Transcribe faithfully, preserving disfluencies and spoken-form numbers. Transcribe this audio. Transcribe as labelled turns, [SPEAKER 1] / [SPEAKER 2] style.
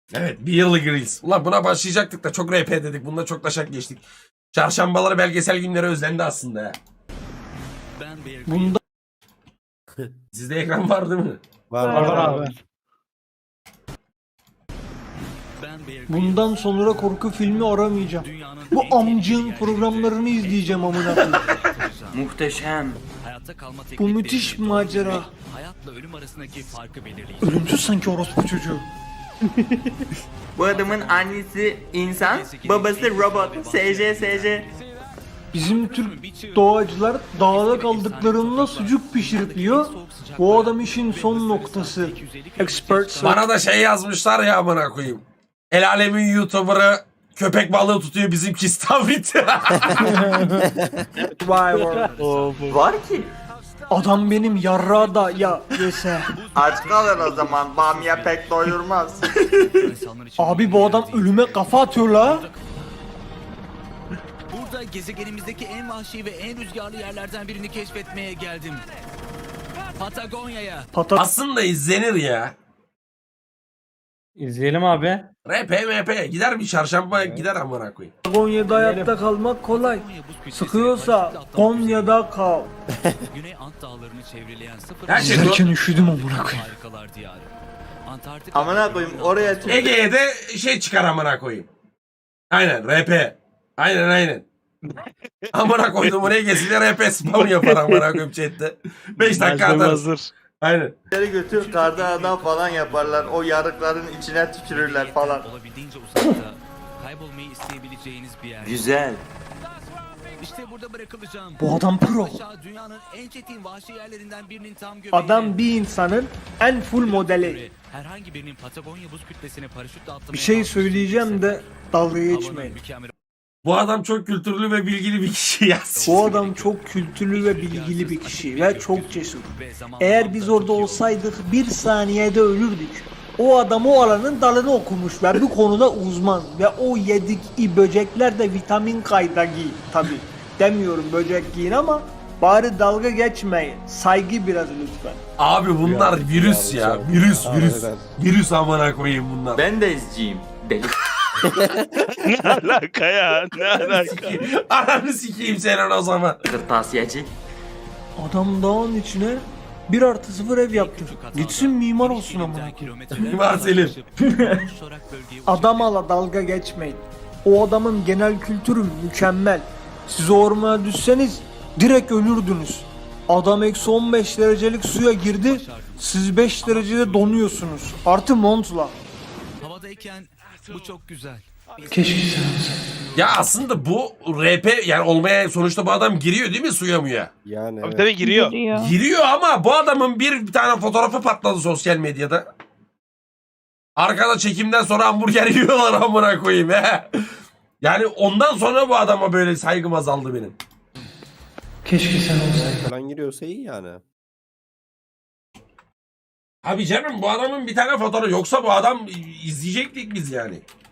[SPEAKER 1] Evet, bir yıllık Reels. Ulan buna başlayacaktık da çok R P dedik. Bunda çok taşak geçtik. Çarşambaları belgesel günleri özlendi aslında ya.
[SPEAKER 2] Bunda
[SPEAKER 1] Sizde ekran var değil mi?
[SPEAKER 3] Var
[SPEAKER 2] var
[SPEAKER 3] var
[SPEAKER 2] abi. Bundan sonra korku filmi aramayacağım. Bu amcığın programlarını izleyeceğim amına koyayım.
[SPEAKER 4] Muhteşem.
[SPEAKER 2] Bu müthiş macera.
[SPEAKER 5] Hayatla ölüm arasındaki farkı belirleyici.
[SPEAKER 2] Ölümsüz sanki orospu çocuğu.
[SPEAKER 4] Bu adamın annesi insan, babası robot. S J S J.
[SPEAKER 2] Bizim Türk doğacılar dağda kaldıklarında sucuk pişirip yiyor. Bu adam işin son noktası. Expert
[SPEAKER 1] Bana da şey yazmışlar ya amına koyayım. El alemin YouTuber'ı köpek balığı tutuyor, bizimki istavrit.
[SPEAKER 2] survivor.
[SPEAKER 4] Var ki.
[SPEAKER 2] Adam benim yarra da ya yese.
[SPEAKER 4] Aç kalır o zaman. Bamya pek doyurmaz.
[SPEAKER 2] Abi bu adam ölüme kafa atıyor la.
[SPEAKER 5] Burada gezegenimizdeki en vahşi ve en rüzgarlı yerlerden birini keşfetmeye geldim. Patagonya'ya.
[SPEAKER 2] Patat
[SPEAKER 1] Aslında izlenir ya.
[SPEAKER 3] İzleyelim abi.
[SPEAKER 1] R P M P gider bir çarşamba gider amına koyayım.
[SPEAKER 2] Konya'da hayatta kalmak kolay. Sıkıyorsa Konya'da kal.
[SPEAKER 5] Güney Ant Dağları'nı çevreleyen sıfır
[SPEAKER 1] Her şey
[SPEAKER 2] İzlerken üşüdüm amına koyayım.
[SPEAKER 5] harikalar diyarı. Antarktik
[SPEAKER 4] Amına koyayım oraya çık.
[SPEAKER 1] Ege'ye de şey çıkar amına koyayım. Aynen R P. Aynen aynen. Amına koydum Ege'siyle R P spam yapar amına koyayım chatte. beş dakika atarız. Aynen.
[SPEAKER 4] Geri götür karda adam falan yaparlar. O yarıkların içine tükürürler falan.
[SPEAKER 5] olabildiğince uzakta kaybolmayı isteyebileceğiniz bir yer.
[SPEAKER 4] Güzel.
[SPEAKER 5] İşte burada bırakılacağım.
[SPEAKER 2] Bu adam pro.
[SPEAKER 5] Aşağı dünyanın en çetin vahşi yerlerinden birinin tam göbeğinde.
[SPEAKER 2] Adam bir insanın en full modeli.
[SPEAKER 5] Herhangi birinin Patagonya buz kütlesine paraşütle atlamaya
[SPEAKER 2] Bir şey
[SPEAKER 5] kalkıştığı
[SPEAKER 2] söyleyeceğim de dalga
[SPEAKER 5] havanın
[SPEAKER 2] geçmeyin.
[SPEAKER 5] mükemmel
[SPEAKER 1] Bu adam çok kültürlü ve bilgili bir kişi ya.
[SPEAKER 2] Bu adam çok kültürlü ve bilgili bir kişi ve çok cesur.
[SPEAKER 5] ve zaman
[SPEAKER 2] Eğer biz orada olsaydık bir saniyede ölürdük. O adam o alanın dalını okumuş ve bu konuda uzman ve o yedik i böcekler de vitamin kaynağı tabi. Demiyorum böcek giyin ama bari dalga geçmeyin. Saygı biraz lütfen.
[SPEAKER 1] Abi bunlar
[SPEAKER 3] Ya,
[SPEAKER 1] virüs
[SPEAKER 3] ya,
[SPEAKER 1] ya.
[SPEAKER 3] çok-
[SPEAKER 1] Virüs virüs.
[SPEAKER 3] Harbiden.
[SPEAKER 1] Virüs amına koyayım bunlar.
[SPEAKER 4] Ben de izciyim. Deli.
[SPEAKER 6] Ne alaka ya? Ne alaka?
[SPEAKER 1] Ananı sikeyim senin o zaman.
[SPEAKER 4] Kırtasiyeci.
[SPEAKER 2] Adam dağın içine bir artı sıfır ev yaptı. Gitsin mimar olsun ama.
[SPEAKER 1] Mimar Selim.
[SPEAKER 2] Adam ala dalga geçmeyin. O adamın genel kültürü mükemmel. Siz ormana düşseniz direkt ölürdünüz. Adam eksi on beş derecelik suya girdi. Siz beş derecede donuyorsunuz. Artı montla.
[SPEAKER 5] Havadayken bu çok güzel.
[SPEAKER 2] Keşke sen olsaydın.
[SPEAKER 1] Ya aslında bu R P yani olmaya sonuçta bu adam giriyor değil mi suya muya?
[SPEAKER 3] Yani
[SPEAKER 6] Tabii
[SPEAKER 3] evet.
[SPEAKER 6] tabii giriyor.
[SPEAKER 1] Giriyor ama bu adamın bir, bir tane fotoğrafı patladı sosyal medyada. Arkada çekimden sonra hamburger yiyorlar amına koyayım he. Yani ondan sonra bu adama böyle saygım azaldı benim.
[SPEAKER 2] Keşke sen olsaydın.
[SPEAKER 3] falan giriyorsa iyi yani.
[SPEAKER 1] Abi canım bu adamın bir tane fotoğrafı yoksa bu adam izleyecektik biz yani.